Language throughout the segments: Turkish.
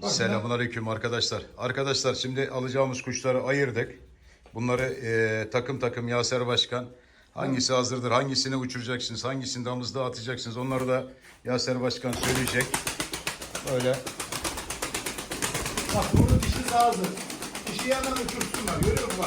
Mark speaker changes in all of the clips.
Speaker 1: Selamünaleyküm arkadaşlar. Arkadaşlar şimdi alacağımız kuşları ayırdık. Bunları takım takım Yaser Başkan hangisi hazırdır, hangisini uçuracaksınız, hangisini damızda atacaksınız onları da Yaser Başkan söyleyecek. Böyle.
Speaker 2: Bak bunun dişi hazır. Dişi hemen uçursunlar. Görüyor musun bak?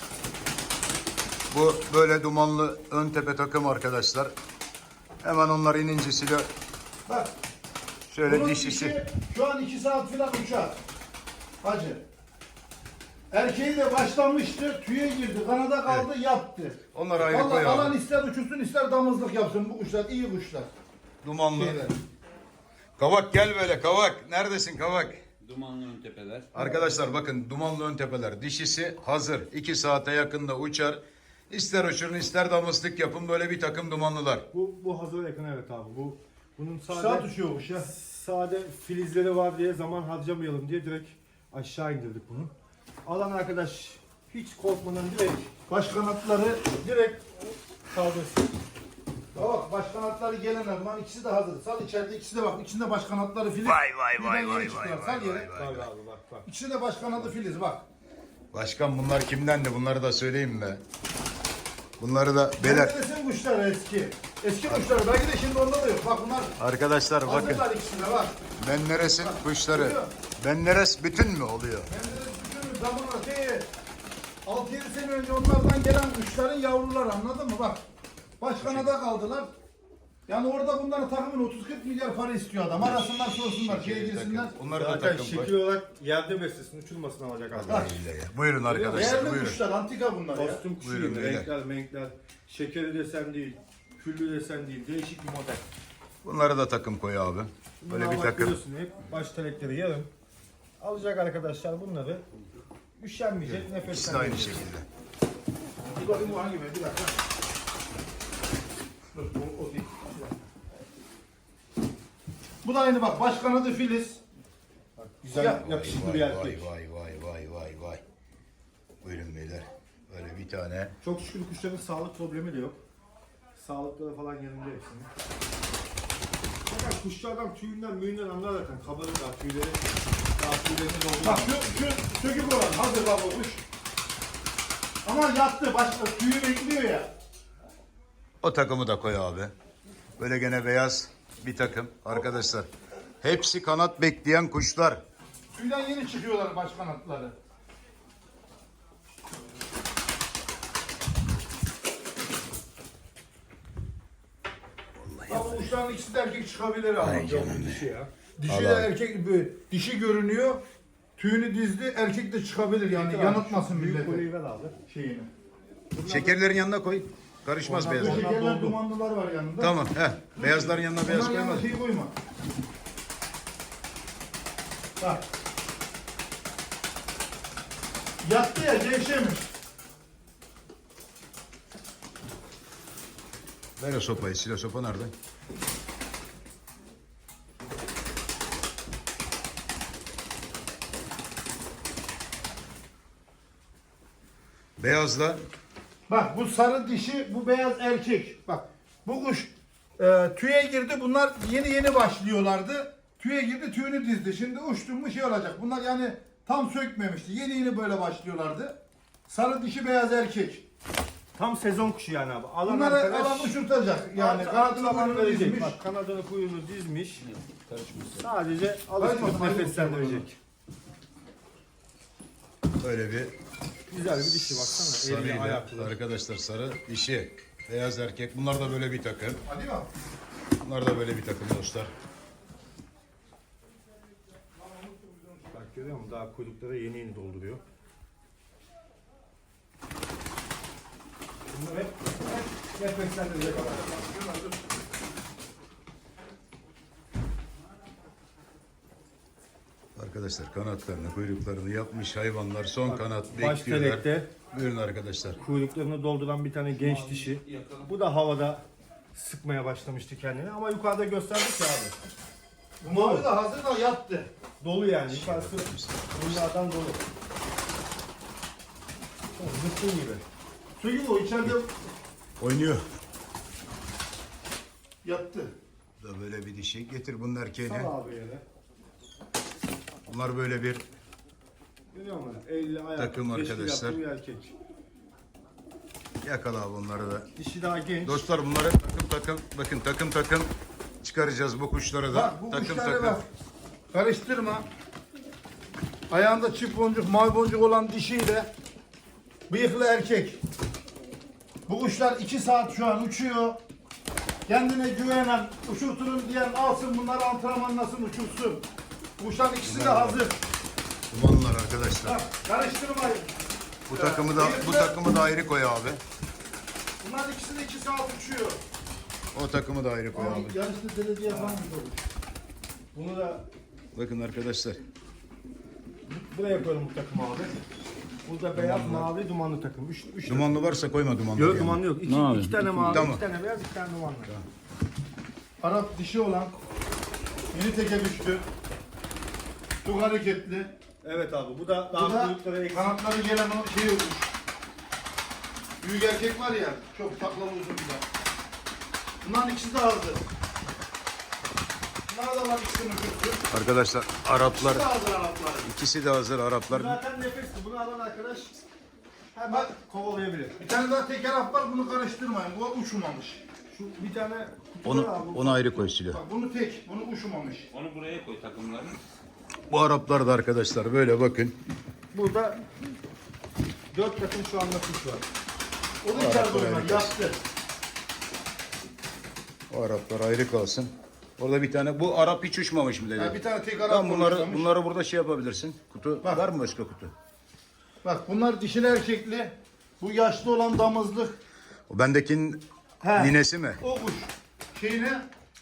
Speaker 1: Bu böyle dumanlı ön tepe takım arkadaşlar. Hemen onlar inince silah.
Speaker 2: Bak.
Speaker 1: Şöyle
Speaker 2: Bunun
Speaker 1: dişisi.
Speaker 2: dişi şu an 2 saat falan uçar. Hacı. Erkeği de başlamıştı, tüye girdi, kanada kaldı, yattı.
Speaker 1: Onları ayrı
Speaker 2: Vallahi
Speaker 1: koyalım.
Speaker 2: alan ister uçursun, ister damızlık yapsın. Bu kuşlar iyi kuşlar.
Speaker 1: Dumanlı.
Speaker 2: Şeyler.
Speaker 1: Kavak gel böyle Kavak. Neredesin Kavak?
Speaker 3: Dumanlı ön tepeler.
Speaker 1: Arkadaşlar bakın dumanlı ön tepeler. Dişisi hazır. 2 saate yakında uçar. İster uçurun ister damızlık yapın. Böyle bir takım dumanlılar.
Speaker 4: Bu hazır yakın, evet abi. Bunun
Speaker 2: Saat
Speaker 4: sade
Speaker 2: uçuyor kuş ya.
Speaker 4: sade filizleri var diye, zaman harcamayalım diye direkt aşağı indirdik bunu. Alan arkadaş hiç korkmadan direkt
Speaker 2: Baş kanatları
Speaker 4: direkt kaldırsın.
Speaker 2: bak baş kanatları gelen zaman ikisi de hazır. Sal içeride ikisi de bak. İçinde baş kanatları filiz.
Speaker 1: Vay
Speaker 2: Birden yeni çıkıyor. Sal yere.
Speaker 4: Tabii abi, bak.
Speaker 2: İçinde baş kanadı filiz bak.
Speaker 1: Başkan bunlar kimdendi? Bunları da söyleyeyim mi? Bunları da beler.
Speaker 2: Menderes'in kuşları eski. Eski kuşları. Belki de şimdi onda da yok. Bak bunlar
Speaker 1: Arkadaşlar bakın.
Speaker 2: hazırlar ikisine bak.
Speaker 1: Menderes'in kuşları.
Speaker 2: Görüyor.
Speaker 1: Menderes bütün mü oluyor?
Speaker 2: Menderes bütün zamanla 6-7 sene önce onlardan gelen kuşların yavruları, anladın mı? Bak. Başkanada kaldılar. Yani orada bunların takımın 30-40 milyar para istiyor adam. Arasınlar sorsunlar, şeye girsinler.
Speaker 1: Onları da
Speaker 4: Zaten
Speaker 1: takım
Speaker 4: şekil
Speaker 1: koy.
Speaker 4: olarak yerde beslesin, uçulmasın alacak abi.
Speaker 2: Bak.
Speaker 1: Buyurun arkadaşlar
Speaker 2: Değerli
Speaker 1: buyurun.
Speaker 2: kuşlar, antika bunlar ya.
Speaker 4: Kostüm kuşu
Speaker 1: Buyurun
Speaker 4: gibi,
Speaker 1: beyler.
Speaker 4: renkler, şekeri desen değil, küllü desen değil, değişik bir model.
Speaker 1: Bunları da takım koy abi. Böyle
Speaker 4: Bunlar
Speaker 1: bir
Speaker 4: bak
Speaker 1: takım.
Speaker 4: biliyorsun, hep baş telekleri yarım. Alacak arkadaşlar bunları. Üşenmeyecek,
Speaker 1: İkisi de aynı
Speaker 4: nefeslenmeyecek.
Speaker 1: şekilde.
Speaker 2: Bir bakayım bu hangi bir dakika. Dur, o değil. Bu da aynı bak, baş kanadı filiz.
Speaker 4: Güzel,
Speaker 2: Ya,
Speaker 4: yakışıklı bir erkek.
Speaker 1: Vay. Buyurun beyler. Böyle bir tane.
Speaker 4: Çok şükür kuşların sağlık problemi de yok. Sağlıkları falan yerinde hepsinin. Fakat kuşlardan tüyünden müyünden anlar zaten. Kabarırlar tüyleri. Daha tüylerini
Speaker 2: Bak
Speaker 4: doldurur.
Speaker 2: şu sökük olan hazır bak o kuş. Ama yattı, başka tüyü bekliyor ya.
Speaker 1: O takımı da koy abi. Böyle gene beyaz bir takım arkadaşlar. Hepsi kanat bekleyen kuşlar.
Speaker 2: Tüyden yeni çıkıyorlar baş kanatları. Bak bu kuşların ikisi de erkek çıkabilir ama.
Speaker 4: Dişi ya.
Speaker 2: Dişi de erkek, dişi görünüyor. Tüyünü dizdi, erkek de çıkabilir yani yanıltmasın
Speaker 4: Büyük
Speaker 2: milleti
Speaker 4: konuyu ver abi.
Speaker 2: şeyini.
Speaker 1: Şekerlerin yanına koy. Karışmaz
Speaker 4: Onlar
Speaker 2: Bu
Speaker 1: beyazlar.
Speaker 4: doldu.
Speaker 2: şekerler dumanlılar var yanında.
Speaker 1: Tamam. Beyazların yanına beyaz
Speaker 2: Bunların
Speaker 1: koyma.
Speaker 2: yanına şey koyma. Bak. Yattı ya, gevşemiş.
Speaker 1: Ver o sopayı. Silah sopa nerede? Beyazla
Speaker 2: Bak bu sarı dişi, bu beyaz erkek. Bak bu kuş tüye girdi. Bunlar yeni başlıyorlardı. Tüye girdi, tüyünü dizdi. Şimdi uçtu mu şey olacak. Bunlar yani tam sökmemişti. Yeni böyle başlıyorlardı. Sarı dişi, beyaz erkek.
Speaker 4: Tam sezon kuşu yani abi. Alan
Speaker 2: Bunları
Speaker 4: arkadaş
Speaker 2: alan uçurtacak. Yani kanatını
Speaker 4: zaman
Speaker 2: kuyruğunu
Speaker 4: verecek.
Speaker 2: dizmiş.
Speaker 4: Bak kanadını kuyruğunu dizmiş. Sadece alıştırıp
Speaker 2: Karışmasın,
Speaker 4: nefeslendirecek.
Speaker 1: böyle bir
Speaker 4: Güzel bir dişi baksana. Eli
Speaker 1: sarıyla
Speaker 4: ayaklı.
Speaker 1: arkadaşlar sarı dişi. Beyaz erkek. Bunlar da böyle bir takım.
Speaker 2: Hadi bak.
Speaker 1: Bunlar da böyle bir takım dostlar.
Speaker 4: Bak görüyor musun? Daha kuyrukları yeni dolduruyor. Bunlar hep nefeslendirecek adam.
Speaker 1: Arkadaşlar kanatlarını, kuyruklarını yapmış hayvanlar son kanat
Speaker 4: Baş
Speaker 1: bekliyorlar.
Speaker 4: telekte
Speaker 1: Buyurun arkadaşlar.
Speaker 4: kuyruklarını dolduran bir tane genç dişi. Bu da havada sıkmaya başlamıştı kendini ama yukarıda gösterdik ya abi.
Speaker 2: Bu mavi de hazır da yattı.
Speaker 4: Dolu yani. Yukarısı bunlardan dolu. Zıttın gibi.
Speaker 2: Çünkü o içeride
Speaker 1: Oynuyor.
Speaker 2: yattı.
Speaker 1: Bu da böyle bir dişi. Getir bunun erkeğini.
Speaker 4: Sal abi yere.
Speaker 1: Bunlar böyle bir
Speaker 4: Görüyor musun? 50 ayak.
Speaker 1: Takım
Speaker 4: teşkil
Speaker 1: arkadaşlar.
Speaker 4: yaptığı bir erkek.
Speaker 1: yakala bunları da.
Speaker 4: Dişi daha genç.
Speaker 1: Dostlar bunları takım takım çıkaracağız bu kuşları da.
Speaker 2: Bak bu
Speaker 1: takım
Speaker 2: kuşlara bak. Karıştırma. Ayağında çift boncuk, mavi boncuk olan dişiyle bıyıklı erkek. Bu kuşlar 2 saat şu an uçuyor. Kendine güvenen, uçurturum diyen alsın bunları antrenmanlasın, uçursun. Bu kuşların ikisi de hazır.
Speaker 1: Dumanlar arkadaşlar.
Speaker 2: Bak, karıştırmayın.
Speaker 1: Bu takımı da ayrı koy abi.
Speaker 2: Bunlar ikisi de 2 saat uçuyor.
Speaker 1: O takımı da ayrı koy abi.
Speaker 2: Yarışta derece yapan bir olur.
Speaker 4: Bunu da
Speaker 1: Bakın arkadaşlar.
Speaker 4: buraya koyalım bu takımı abi. Burada beyaz, mavi, dumanlı takım. Üç
Speaker 1: Dumanlı varsa koyma dumanlı.
Speaker 4: Yok
Speaker 1: yani.
Speaker 4: dumanlı yok. İki tane mavi,
Speaker 1: Tamam.
Speaker 4: 2 tane beyaz, 2 tane dumanlı.
Speaker 2: Arap dişi olan yeni teke düştü. Çok hareketli.
Speaker 4: Evet abi bu da
Speaker 2: Bu
Speaker 4: daha
Speaker 2: da
Speaker 4: kuyrukları eksik.
Speaker 2: kanatları gelen o şey olmuş. Büyük erkek var ya, çok taklalı uzun bir de. Bunların ikisi de hazır. Bunlar da var ikisini uçurttu.
Speaker 1: Arkadaşlar Araplar
Speaker 2: İkisi de hazır Arapların.
Speaker 1: ikisi de hazır Araplar.
Speaker 4: Zaten nefesli. Bunu alan arkadaş hemen kovalayabilir.
Speaker 2: Bir tane daha teker Arap var, bunu karıştırmayın. Bu uçmamış.
Speaker 4: Şu bir tane kutu var abi.
Speaker 1: Onu ayrı koy Silo.
Speaker 2: Bak bunu tek, bunu uçmamış.
Speaker 3: Onu buraya koy takımlarını.
Speaker 1: Bu Araplar da arkadaşlar böyle bakın.
Speaker 4: Burada 4 takım şu anda kuş var.
Speaker 2: O da içeride oynar,
Speaker 1: harika.
Speaker 2: yattı.
Speaker 1: O Araplar ayrı kalsın. Orada bir tane bu Arap hiç uçmamış mı dedi.
Speaker 2: Ha, bir tane tek Arap
Speaker 1: Tamam
Speaker 2: konuşlamış.
Speaker 1: bunları burada şey yapabilirsin. Kutu
Speaker 2: Bak.
Speaker 1: var mı başka kutu?
Speaker 2: Bak bunlar dişili erkekli. Bu yaşlı olan damızlık.
Speaker 1: O bendekinin
Speaker 2: He.
Speaker 1: ninesi mi?
Speaker 2: O kuş. Şeyine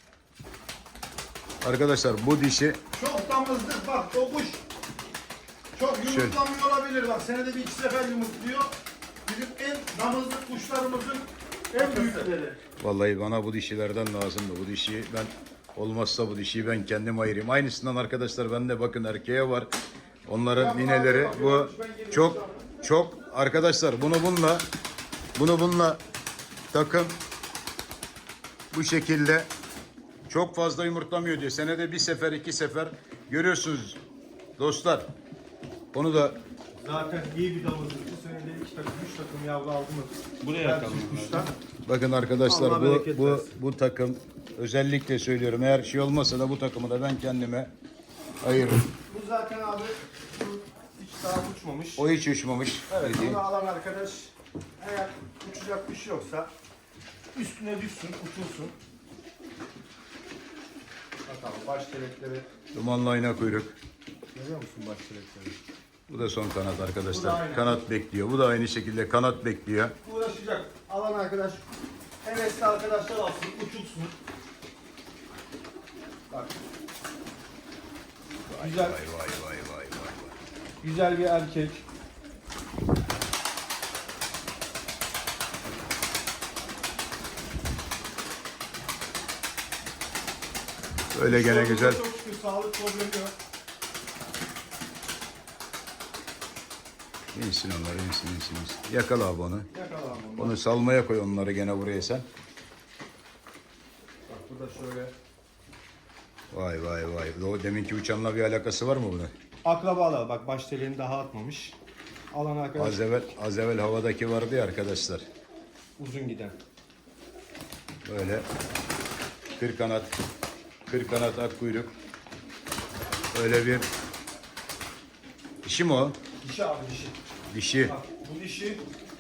Speaker 1: Arkadaşlar bu dişi
Speaker 2: çok damızlık bak o kuş. Çok yumurtlamıyor olabilir bak. Senede bir iki sefer yumurtluyor. Bizim en damızlık kuşlarımızın en büyükleri.
Speaker 1: vallahi bana bu dişilerden lazımdı. Bu dişiyi ben olmazsa bu dişiyi ben kendim ayırayım. Aynısından arkadaşlar bende bakın erkeğe var. Onların nineleri bu çok arkadaşlar bunu bununla takım bu şekilde çok fazla yumurtlamıyor diyor. Senede bir sefer iki sefer görüyorsunuz dostlar. Onu da
Speaker 4: Zaten iyi bir damızlık. Bu senede 2 takım, 3 takım yavru aldı mı?
Speaker 3: Buraya atalım.
Speaker 4: Kuşlar.
Speaker 1: bakın arkadaşlar
Speaker 4: Allah
Speaker 1: bu
Speaker 4: bereket
Speaker 1: bu
Speaker 4: versin.
Speaker 1: bu takım özellikle söylüyorum. Eğer şey olmasa da bu takımı da ben kendime ayırırım.
Speaker 4: Bu zaten abi bu hiç daha uçmamış.
Speaker 1: O hiç uçmamış.
Speaker 4: Evet
Speaker 1: dediğim.
Speaker 4: bunu alan arkadaş eğer uçacak bir şey yoksa üstüne düşsün, uçursun. Bakalım baş telekleri.
Speaker 1: Dumanlı ayna kuyruk.
Speaker 4: Görüyor musun baş telekleri?
Speaker 1: Bu da son kanat
Speaker 4: Bu da
Speaker 1: arkadaşlar.
Speaker 4: aynı.
Speaker 1: Kanat bekliyor. Bu da aynı şekilde kanat bekliyor.
Speaker 4: Uğraşacak. Alan arkadaş hevesli arkadaşlar alsın, uçursun. Bak. Güzel,
Speaker 1: Vay vay vay vay vay.
Speaker 4: güzel bir erkek.
Speaker 1: Öyle gene güzel.
Speaker 4: Çok şükür sağlık problemi yok.
Speaker 1: İnsin onları insin. Yakala abi onu.
Speaker 4: Yakalan bunu.
Speaker 1: Onu salmaya koy onları gene buraya sen.
Speaker 4: Bak burada şöyle.
Speaker 1: Vay. O deminki uçanla bir alakası var mı bunun?
Speaker 4: Akrabalar bak baş teleğini daha atmamış. Alan arkadaş
Speaker 1: Az evvel havadaki vardı ya arkadaşlar.
Speaker 4: uzun giden.
Speaker 1: Böyle kır kanat ak kuyruk. Öyle bir dişi mi o?
Speaker 4: Dişi abi dişi.
Speaker 1: Dişi.
Speaker 4: Bak bu dişi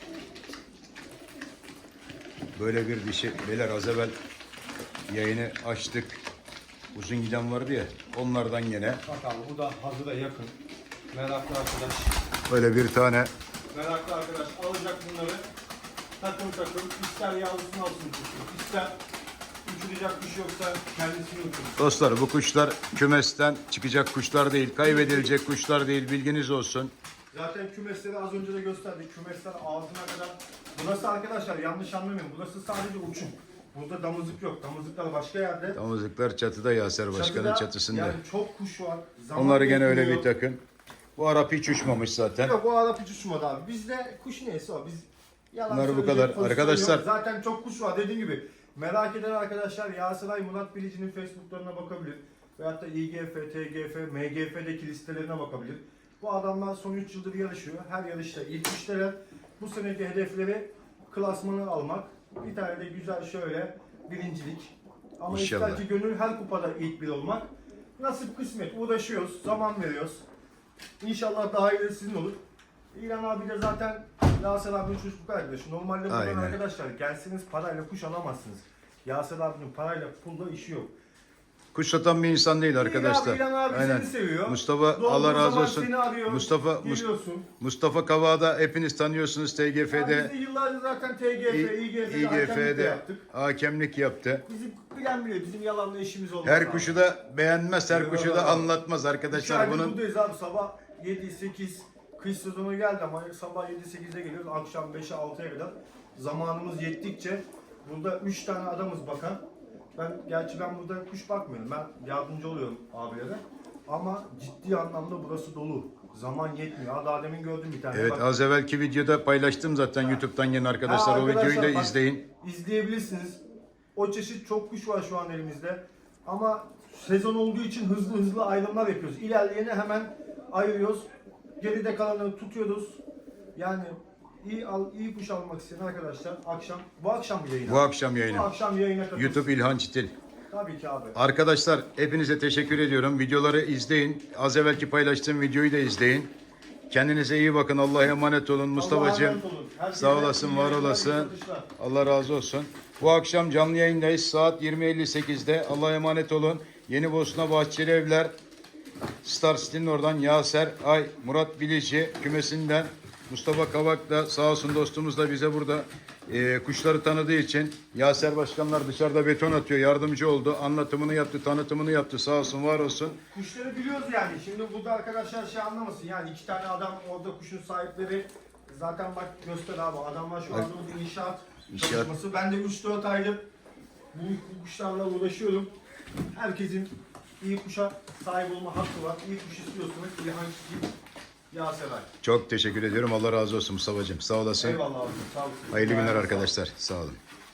Speaker 1: Böyle bir dişi. Beyler az evvel yayını açtık. Uzun giden vardı ya. Onlardan gene
Speaker 4: bak abi bu da hazıra yakın. Meraklı arkadaş.
Speaker 1: böyle bir tane
Speaker 4: Meraklı arkadaş alacak bunları. Takım ister yavrusunu alsın uçursun. İster uçuracak bir şey yoksa kendisini uçursun.
Speaker 1: dostlar bu kuşlar kümesten çıkacak kuşlar değil. Kaybedilecek kuşlar değil. Bilginiz olsun.
Speaker 4: Zaten kümesleri az önce de gösterdik. Kümesler ağzına kadar. Burası arkadaşlar yanlış anlamayın. Burası sadece uçum. Burada damızlık yok. Damızlıklar başka yerde.
Speaker 1: Damızlıklar çatıda Yaser Başkan'ın
Speaker 4: Çatıda,
Speaker 1: çatısında.
Speaker 4: Yani çok kuş var. Zaman
Speaker 1: Onları gene öyle
Speaker 4: bekliyor.
Speaker 1: bir takın. Bu Arap hiç uçmamış zaten.
Speaker 4: Yok o Arap hiç uçmadı abi. Bizde kuş neyse o. Biz yalan
Speaker 1: Bunlar bu
Speaker 4: söyleyecek
Speaker 1: kadar.
Speaker 4: pozisyon
Speaker 1: Arkadaşlar-
Speaker 4: yok. Zaten çok kuş var dediğim gibi. Merak eden arkadaşlar Yaseray Murat Bilici'nin Facebook'larına bakabilir. Veyahut da İGF, TGF, MGF'deki listelerine bakabilir. Bu adamlar son 3 yıldır yarışıyor. Her yarışta ilk üçteler. Bu seneki hedefleri klasmanı almak. Bir tane de güzel şöyle birincilik. Ama
Speaker 1: İnşallah.
Speaker 4: ister ki gönül her kupada ilk bir olmak. Nasip kısmet uğraşıyoruz, zaman veriyoruz. İnşallah daha iyi sizin olur. İlhan abi de zaten Yaser abinin çocukluk arkadaşı. Normalde buradan
Speaker 1: Aynen.
Speaker 4: arkadaşlar gelseniz parayla kuş alamazsınız. Yaser abinin parayla pulla işi yok.
Speaker 1: Kuş satan bir insan değil arkadaşlar.
Speaker 4: İlhan abi
Speaker 1: Aynen.
Speaker 4: seni seviyor.
Speaker 1: Mustafa
Speaker 4: Doğduğu
Speaker 1: Allah razı
Speaker 4: zaman
Speaker 1: olsun.
Speaker 4: Seni arıyor, geliyorsun.
Speaker 1: Mustafa Kavağ'da hepiniz tanıyorsunuz
Speaker 4: Ya
Speaker 1: TGF'de.
Speaker 4: biz de yıllardır zaten TGF, İGF'de hakemlik de yaptık.
Speaker 1: hakemlik yaptı.
Speaker 4: Bizim bilen biliyor, bizim yalanla işimiz olmaz.
Speaker 1: Her
Speaker 4: abi.
Speaker 1: kuşu da beğenmez, her kuşu da
Speaker 4: Eyvallah.
Speaker 1: anlatmaz
Speaker 4: 2
Speaker 1: arkadaşlar.
Speaker 4: aydır
Speaker 1: Bunun
Speaker 4: buradayız abi, sabah 7-8 kış sezonu geldi ama sabah 7-8'de geliyoruz, akşam 5'e 6'ya kadar zamanımız yettikçe burada 3 tane adamız bakan. Gerçi ben burada kuş bakmıyorum, ben yardımcı oluyorum abilere ama ciddi anlamda burası dolu. Zaman yetmiyor. Daha demin gördüm bir tane.
Speaker 1: evet,
Speaker 4: Bak,
Speaker 1: az evvelki videoda paylaştım zaten YouTube'dan yeni arkadaşlar.
Speaker 4: Ha,
Speaker 1: O videoyu da
Speaker 4: bak,
Speaker 1: izleyin.
Speaker 4: İzleyebilirsiniz. O çeşit çok kuş var şu an elimizde. Ama sezon olduğu için hızlı hızlı ayrımlar yapıyoruz. İlerleyeni hemen ayırıyoruz. Geride kalanları tutuyoruz. Yani iyi kuş almak isteyen arkadaşlar bu akşam mı yayına?
Speaker 1: Bu akşam
Speaker 4: Bu
Speaker 1: yayını.
Speaker 4: akşam yayına katılsın.
Speaker 1: YouTube İlhan Çitil.
Speaker 4: Tabii ki abi.
Speaker 1: Arkadaşlar hepinize teşekkür ediyorum. Videoları izleyin. Az evvelki paylaştığım videoyu da izleyin. Kendinize iyi bakın. Allah'a emanet olun Mustafa'cığım.
Speaker 4: emanet olun. Herkese
Speaker 1: Sağ olasın,
Speaker 4: iyi
Speaker 1: var
Speaker 4: yayınlar, iyi
Speaker 1: olasın.
Speaker 4: satışlar.
Speaker 1: Allah razı olsun. Bu akşam canlı yayındayız. Saat 20.58'de. Allah'a emanet olun. Yeni Bosna Bahçeli Evler, Star City'nin oradan Yaser Ay, Murat Bilici kümesinden Mustafa Kavak da sağ olsun dostumuz da bize burada kuşları tanıdığı için Yaser Başkanlar dışarıda beton atıyor. Yardımcı oldu. Anlatımını yaptı, tanıtımını yaptı. Sağ olsun, var olsun.
Speaker 4: Kuşları biliyoruz yani. Şimdi burada arkadaşlar şey anlamasın. Yani 2 tane adam orada kuşun sahipleri. Zaten bak göster abi. Adamlar şu anda burada inşaat çalışması. Ben de 3-4 aydır bu kuşlarla uğraşıyorum. Herkesin iyi kuşa sahip olma hakkı var. İyi kuş istiyorsunuz. İlhan Çiçek, Yaser Ay.
Speaker 1: Çok teşekkür ediyorum. Allah razı olsun Mustafa'cığım. Sağ olasın.
Speaker 4: Eyvallah abi. Sağ olun.
Speaker 1: Hayırlı günler arkadaşlar. Sağ olun.